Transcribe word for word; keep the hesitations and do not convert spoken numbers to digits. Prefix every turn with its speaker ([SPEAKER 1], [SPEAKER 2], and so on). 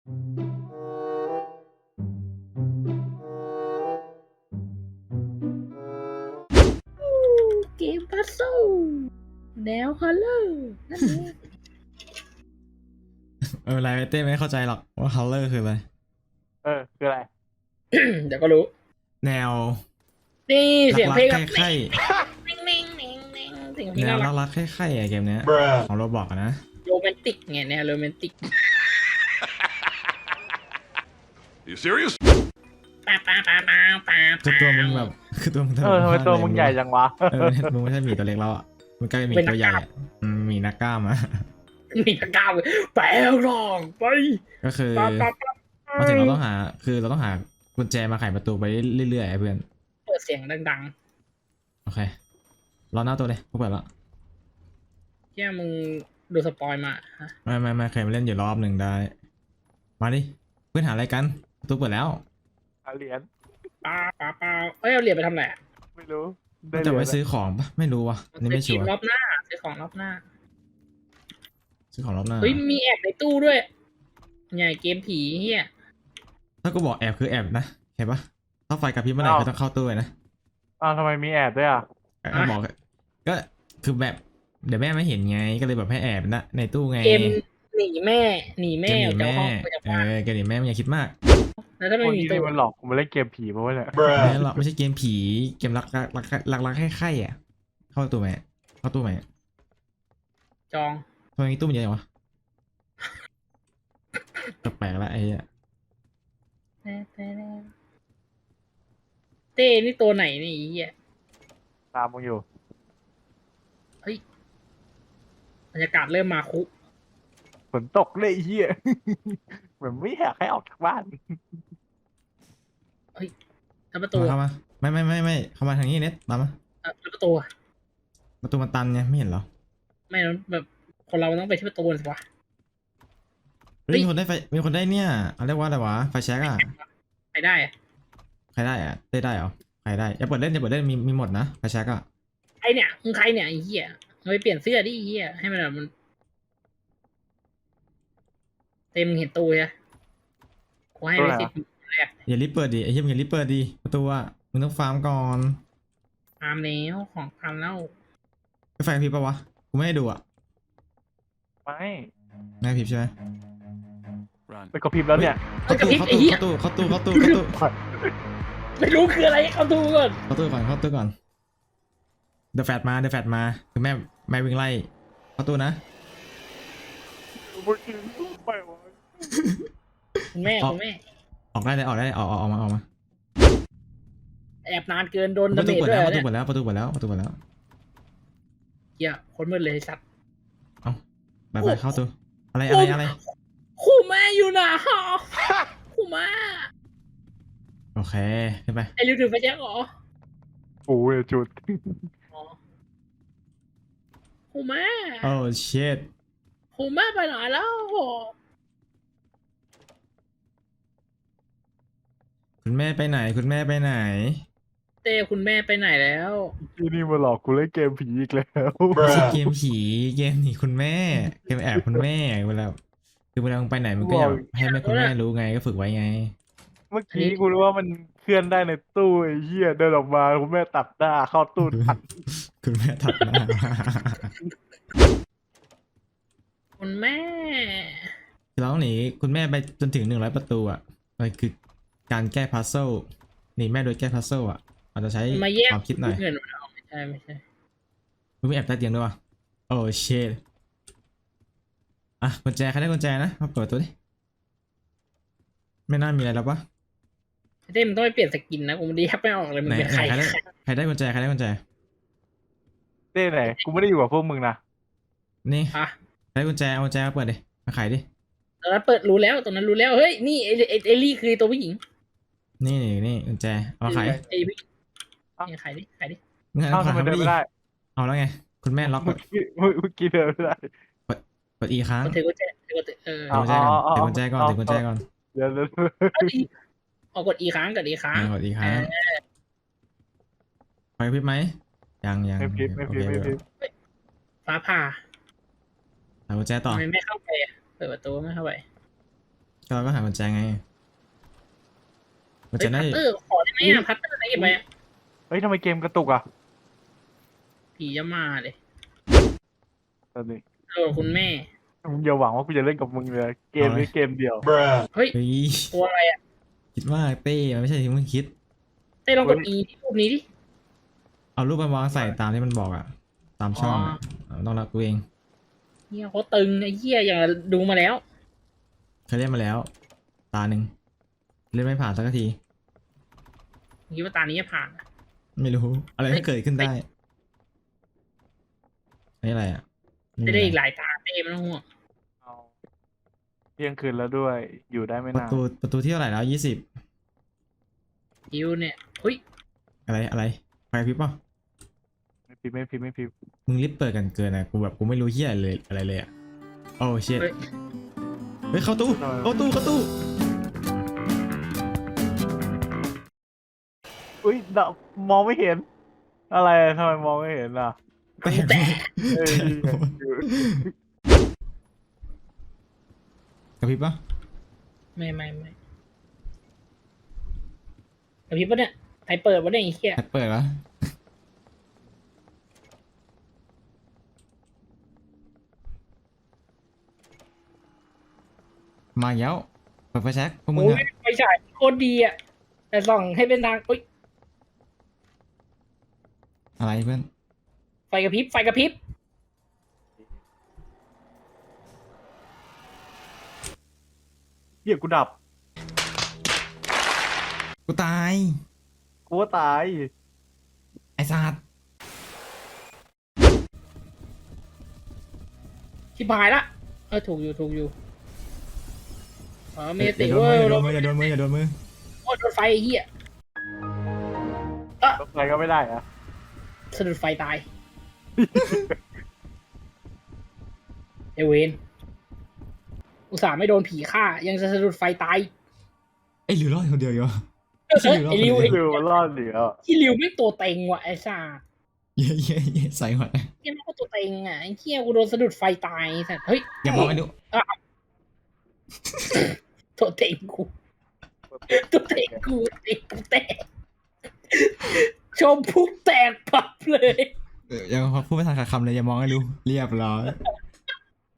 [SPEAKER 1] เกมพัซเซิลแนวฮอลเลอร์นั่นเอง
[SPEAKER 2] เอออะไรเต้ไม่เข้าใจหรอกว่า color คืออะไร
[SPEAKER 3] เออคืออะไร
[SPEAKER 1] เดี๋ยวก็รู้
[SPEAKER 2] แนว
[SPEAKER 1] นี่เสียง
[SPEAKER 2] รัก
[SPEAKER 1] เพลง
[SPEAKER 2] ๆ
[SPEAKER 1] แบบ
[SPEAKER 2] ใคร่
[SPEAKER 1] นิ่งนิ่งนิ่งนิ่งเสียงเพ
[SPEAKER 2] ๆ
[SPEAKER 1] ลง
[SPEAKER 2] แนว
[SPEAKER 1] น่ารัก
[SPEAKER 2] รักๆใคร่ๆอะเกมเนี้ยของโรบอกนะ
[SPEAKER 1] โรแมนติกไงแนวโรแมนติก
[SPEAKER 4] You serious?
[SPEAKER 1] ป้าป้าป้าป้าป้า
[SPEAKER 2] คือตัวมึงแบบคือตัวมึง
[SPEAKER 3] เออทำไมตัวมึงใหญ่จังวะ
[SPEAKER 2] เออมึงไม่ใช่หมีตัวเล็กแล้วอ่ะมึงกลายเป็นหมีตัวใหญ่อะอืมหมีนักกล้ามอ่ะ
[SPEAKER 1] มีตะกร้าวแปลงร่างไป
[SPEAKER 2] ก็คือ
[SPEAKER 1] ป้าป้าป้า
[SPEAKER 2] มาถึงเราต้องหาคือเราต้องหากุญแจมาไขประตูไปเรื่อยๆไอ้เพื่อน
[SPEAKER 1] เปิดเสียงดัง
[SPEAKER 2] โอเครอหน้าตัวเลยพวกเปิดแล้ว
[SPEAKER 1] ๆแค่มึงดูสปอยมาฮะ
[SPEAKER 2] ไม่ไม่ไม่เคยมาเล่นอยู่รอบหนึ่งได้ มาดิเพื่อนหาอะไรกันประตูเปิดแล้ว
[SPEAKER 3] หาเหรียญ
[SPEAKER 1] ป้าป้าป้าเอ้ยเอาเหรียญไปทำอะไรอะ
[SPEAKER 3] ไม่รู้
[SPEAKER 2] น่าจะไว้ซื้อของปะไม่รู้วะอันนี่ไม่ชั
[SPEAKER 1] ซื้อ
[SPEAKER 2] วร์
[SPEAKER 1] รอบหน้าซื้อของรอบหน้า
[SPEAKER 2] ซื้อของรอบหน้า
[SPEAKER 1] เฮ้ยมีแอบในตู้ด้วยใหญ่เกมผีเฮีย
[SPEAKER 2] ถ้ากูบอกแอบคือแอบนะเห็นปะถ้าไฟกระพริบเมื่อไหร่ก็ต้องเข้าตู้เลยนะ
[SPEAKER 3] อ้าวทำไมมีแอบด้วยอ่ะ
[SPEAKER 2] ก็บอกก็คือแบบเดี๋ยวแม่ไม่เห็นไงก็เลยแบบให้แอบนะในตู้ไง
[SPEAKER 1] เกมหนีแม่หนีแม่
[SPEAKER 2] เกมหนี
[SPEAKER 1] จาก
[SPEAKER 2] แม่
[SPEAKER 1] ห้องไปจาก
[SPEAKER 2] เอ
[SPEAKER 1] บ้าน
[SPEAKER 2] อเกมหนีแม่ไม่อยากคิดมาก
[SPEAKER 1] แล้วถ้า
[SPEAKER 3] พ
[SPEAKER 1] ไม่
[SPEAKER 3] วก
[SPEAKER 1] มี
[SPEAKER 3] นี้
[SPEAKER 1] ตู้
[SPEAKER 3] นี่มันหลอกกูมาเล่นเกมผีมาเนี่ย
[SPEAKER 2] ไม่หรอกไม่ใช่เกมผีเกมรักรักรักรักรักให้ไข่อ่ะเข้าตู้ไหมเข้าตู้ไหม
[SPEAKER 1] จอง
[SPEAKER 2] ทำไมตู้มันเยอะจังวะแปลกๆละไอ้เหี้ย
[SPEAKER 1] เต้นี่ตัวไหนนี่ไอ้เฮีย
[SPEAKER 3] ตามมึงอยู่
[SPEAKER 1] บรรยากาศเริ่มมาคุ
[SPEAKER 3] ฝนตกเลยไอ้เฮีย เหมือนไม่อยากให้ออกจากบ้าน
[SPEAKER 1] แล้วประตู
[SPEAKER 2] เข้ามาไม่ไม่ไม่ไม่เข้ามาทางนี้เน็ตตามมา
[SPEAKER 1] เอ่อแล้วประตูอะ
[SPEAKER 2] ประตูมันตันไงไม่เห็นเหรอ
[SPEAKER 1] ไม่นะแบบคนเราต้องไปที่ประตูสิวะ
[SPEAKER 2] เฮ้ยมีคนได้ไฟมีคนได้เนี่ยเขาเรียกว่าอะไรวะไฟแช็กอ่ะ
[SPEAKER 1] ไปได้อะ
[SPEAKER 2] ใครได้อ่ะได้ได้เหรอใครได้อย่าเปิดเล่นอย่าเปิดเล่นมีมีหมดนะไฟแช็กอ่ะ
[SPEAKER 1] ไอเนี่ยมึงใครเนี่ยไอ้เหี้ยมึงไปเปลี่ยนเสื้อดิไอ้เหี้ยให้มันแบบมันเต็มงเห็นตู้ใช่ไหมกูให้ไปสิบแรก
[SPEAKER 2] อย่ารีบเปิดดิไอ้เหี้ยมึงอย่ารีบเปิดดิประตูอ่ะมึงต้องฟาร์มก่อน
[SPEAKER 1] ตามแล้วของตามแล้ว
[SPEAKER 2] ไฟไฟกระพริบปะวะกูไม่ให้ดูอ่ะ
[SPEAKER 3] ไม่
[SPEAKER 2] ไม่กระพริบใช่ไหม
[SPEAKER 4] Run.
[SPEAKER 3] ไปกระพริบแล้วเนี่ย
[SPEAKER 2] เข้าตู้เข้าตู้เข้าตู้เข้าตู้เข้าตู้เข้าตู้
[SPEAKER 1] ไม่รู้คืออะไรเข้าตู้ก่อน
[SPEAKER 2] เข้าตู้ก่อนเข้าตู้ก่อนเดอะแฟตมาเดอะแฟตมาคือแม่แม่วิ่งไล่เข้าตู้นะ
[SPEAKER 3] ไปวะ
[SPEAKER 1] คุณแม่
[SPEAKER 2] อ๋อ
[SPEAKER 1] คุณแม่
[SPEAKER 2] ออกได้เลยออกได้เลยออกออกออกมาออกมา
[SPEAKER 1] แอบนานเกินโดน
[SPEAKER 2] ป
[SPEAKER 1] ดา
[SPEAKER 2] ระ
[SPEAKER 1] เม
[SPEAKER 2] ตู
[SPEAKER 1] จ
[SPEAKER 2] เปิด
[SPEAKER 1] ด้วย
[SPEAKER 2] แล้ว
[SPEAKER 1] เหร
[SPEAKER 2] ป
[SPEAKER 1] อ
[SPEAKER 2] ระตู
[SPEAKER 1] เนี่ย
[SPEAKER 2] เปิดแล้วประตูเปิดแล้วประตูเปิดแล้ว
[SPEAKER 1] เหี้ยคนมืดเลยไอ้สัตว์
[SPEAKER 2] ไปไปเข้าตู้อะไรอะไรอะไร
[SPEAKER 1] คู่แม่อยู่นะฮะคู่แม่
[SPEAKER 2] โอเคขึ้นไป
[SPEAKER 1] ไอ้ริวถือไฟแจ็คเหรอ
[SPEAKER 3] โอ้ยจุด
[SPEAKER 1] อ๋อคู่แม่
[SPEAKER 2] โอ้เชิด
[SPEAKER 1] คู่แม่ไปไหนแล้ว
[SPEAKER 2] คุณแม่ไปไหนคุณแม่ไปไหน
[SPEAKER 1] เต้คุณแม่ไปไหนแล้ว
[SPEAKER 3] ที่นี่มาหลอกกูเล่นเกมผีอีกแล้ว
[SPEAKER 2] ไม่ใช่เกมผีเกมหนีคุณแม่เกมแอบคุณแม่เวลาคือเวลามึงไปไหนมึงก็อยากให้แม่คุณแม่รู้ไงก็ฝึกไว้ไง
[SPEAKER 3] เมื่อกี้กูรู้ว่ามันเคลื่อนได้ในตู้ไอ้เหี้ยเดินออกมาคุณแม่ตัดหน้าเข้าตู้ทัน
[SPEAKER 2] คุณแม่ถัดหน้า
[SPEAKER 1] คุณแม่
[SPEAKER 2] เราต้องหนีคุณแม่ไปจนถึงหนึ่งร้อยประตูอ่ะมันคือการแก้พัซเซิลหนีแม่โดยแก้พัซเซิลอ่ะอาจจะใช้
[SPEAKER 1] มาแยก
[SPEAKER 2] ความคิดหน่อย
[SPEAKER 1] เงินมันเอาไม่ใช่ไม่ใช่
[SPEAKER 2] มึงไม่แอบใต้เตียงด้วยวะโอ้เชดอ่ะกุญแจใครได้กุญแจนะมาเปิดตัวดิไม่น่ามีอะไรแล้วปะ
[SPEAKER 1] เต้มันต้องไปเปลี่ยนสกินนะกูไม่ได้แยกไม่ออกเลยมัน
[SPEAKER 2] ไหน
[SPEAKER 1] เป็น
[SPEAKER 2] ไหน
[SPEAKER 1] ใคร
[SPEAKER 2] ใครได้ใครได้กุญแจใครได้กุญแจ
[SPEAKER 3] เต้ไหนกูไม่ได้อยู่กับพวกมึงนะ
[SPEAKER 2] นี่
[SPEAKER 1] อ่ะ
[SPEAKER 2] ใครได้กุญแจเอากุญแจมาเปิดดิมาไขดิ
[SPEAKER 1] ตอนนั้นเปิดรู้แล้วตอนนั้นรู้แล้วเฮ้ยนี่ไอ้ไอ้ไอ้ลี่คือตัวผู้หญิง
[SPEAKER 2] นี่นี่นี่กุญแจเอามาไข
[SPEAKER 1] ไอ้ผู้หญิงนี่ขายดิขายดิ
[SPEAKER 2] มึง
[SPEAKER 3] เอ้า
[SPEAKER 2] เอา
[SPEAKER 3] ทำไม
[SPEAKER 2] ขา
[SPEAKER 3] เดิน
[SPEAKER 2] ดิ
[SPEAKER 3] ไม่ได้
[SPEAKER 2] เอาแล้วไงคุณแม่ล็อก
[SPEAKER 3] เมื่อกี้เมื่อกี้เดินไม่ได้
[SPEAKER 2] กดอีค้าง
[SPEAKER 1] มันถือกุญแจถือกุญแจเออ
[SPEAKER 2] ถือกุญแจก่อนถือกุญแจก่อนถือกุญแจก่อน
[SPEAKER 3] เดี๋ยวเดี๋ยว
[SPEAKER 1] เอาดิเอากดอีค้างกดอีค้าง
[SPEAKER 2] อ่ากดอีค้างไฟพริบไหมยังยัง
[SPEAKER 3] ไม่พิบไม่พิบไม่พิบ
[SPEAKER 1] ฟ้าผ่า
[SPEAKER 2] ใส่กุญแจต่อ
[SPEAKER 1] ทำไมไม่เข้าไปอะเปิดประตูไม่เข้าไป
[SPEAKER 2] ก็เราก็หากุญแจไงกุญ
[SPEAKER 1] เฮ้
[SPEAKER 2] แจ
[SPEAKER 1] ย
[SPEAKER 2] น่า
[SPEAKER 1] พัต
[SPEAKER 2] จะ
[SPEAKER 1] เตอร์ขอได้ไหมอ่ะพัตเตอร์ไหนเก็บไว้อะ
[SPEAKER 3] เฮ้ยทำไมเกมกระตุกอ่ะ
[SPEAKER 1] ผีจะมาเลย
[SPEAKER 3] ตอนนี้
[SPEAKER 1] เออคุณแม่
[SPEAKER 3] มึงอย่าหวังว่ากูจะเล่นกับมึงเลยเกมนี้เกมเดียว
[SPEAKER 1] เฮ้ย
[SPEAKER 2] เฮ้ย
[SPEAKER 1] ตัวอะไรอ่ะ
[SPEAKER 2] คิดว่าเต้มันไม่ใช่ที่มึงคิด
[SPEAKER 1] เต้ลองกด E ที่รูปนี้ดิ
[SPEAKER 2] เอารูปมันวางใส่ตามที่มันบอกอะตามช่องอะเอาต้องรักกูเอง
[SPEAKER 1] เฮียเขาตึงไอ้เฮียอย่างดูมาแล้ว
[SPEAKER 2] เคยเล่นมาแล้ว ตาหนึ่งเล่นไม่ผ่านสักที
[SPEAKER 1] คิดว่าตานี้จะผ่านอะ
[SPEAKER 2] ไม่รู้ อะไร
[SPEAKER 1] เฮ้
[SPEAKER 2] ก็
[SPEAKER 1] ย
[SPEAKER 2] เกิดขึ้นได้นี่อะไรอะม่มี
[SPEAKER 1] จะได้อีก
[SPEAKER 2] อะไร
[SPEAKER 1] หลายตาเต้ไม่ต้องห่วง
[SPEAKER 3] เอาเที่ยงคืนแล้วด้วยอยู่ได้ไม่
[SPEAKER 2] ประ
[SPEAKER 3] นาน
[SPEAKER 2] ตูประตูที่เท่าไหร่แล้วยี่สิบ
[SPEAKER 1] คิวเนี่ยเฮ้ย
[SPEAKER 2] อะไรอะไรไฟพริบป่ะ
[SPEAKER 3] ไม่พิมพ์ไม่พิมพ์ไม่พิมพ์
[SPEAKER 2] มึงรีบเปิดกันเกินอะกูแบบกูไม่รู้เฮียอะไรเลยอะไรเลยอะโอ้เชิด
[SPEAKER 1] เฮ้ย
[SPEAKER 2] เฮ้ยเข้าตู้เข้าตู้เข้าตู้
[SPEAKER 3] อุ้ยดะมองไม่เห็น อะไรทำไมมองไม่เห็นล่ะ
[SPEAKER 2] แตก
[SPEAKER 1] แตก
[SPEAKER 3] เอ้ย
[SPEAKER 2] กระพริบป่ะ
[SPEAKER 1] ไม่ไม่ไม่กระพริบปะเนี่ยใครเปิดวะเนี่ยไอ้เฮีย
[SPEAKER 2] แอปเปิดวะมาอีกแล้วเปิดไฟแช็กพวกมึง
[SPEAKER 1] โอ้
[SPEAKER 2] อะ
[SPEAKER 1] ยไฟฉายโคตรดีอ่ะแต่ส่องให้เป็นทางเฮ้ย
[SPEAKER 2] อะไรเพื่อน
[SPEAKER 1] ไฟกระพริบไฟกระพริบ
[SPEAKER 3] เหี้ยกูดับ
[SPEAKER 2] กูตาย
[SPEAKER 3] กูว่าตาย
[SPEAKER 2] ไอ้สัตว์
[SPEAKER 1] ชิบหายละเออถูกอยู่ถูกอยู่อ๋อเม
[SPEAKER 2] อย่า
[SPEAKER 1] ติ
[SPEAKER 2] โดน
[SPEAKER 1] เว้
[SPEAKER 2] มื
[SPEAKER 1] ย
[SPEAKER 2] ออย่าโดนมืออย่าโดนมืออย่าโดนมือ
[SPEAKER 1] โอ้ยโดนไฟไอ้เหี้ย
[SPEAKER 3] รถไฟก็ไม่ได้อะ
[SPEAKER 1] สะดุดไฟตาย เอเวนอุตส่าห์ไม่โดนผีฆ่า ยังจะสะดุดไฟตาย
[SPEAKER 2] ไอ้หลิวรอดคนเดียวอยู่
[SPEAKER 1] เออไอ้ริวไอ้
[SPEAKER 3] เร็วรอดเหลือ
[SPEAKER 1] ที่ริวไม่ตัวเต็งว่ะไอ้ซ่า
[SPEAKER 2] เย้เย้เย้ใส่หัว
[SPEAKER 1] เหี้ยังไม่ก็ตัวเต็งอ่ะไอ้เหี้ยกูโดนสะดุดไฟตายสัตว์เฮ้ย
[SPEAKER 2] อย่ามองไอ้ดู
[SPEAKER 1] ตัวเต็งกูตัวเต็งกูเต็งกูแตกชมพุกแตกปับเลย
[SPEAKER 2] เออยังพูดไม่ทันขาดคำเลยอย่ามองไอ้ดูเรียบร้อย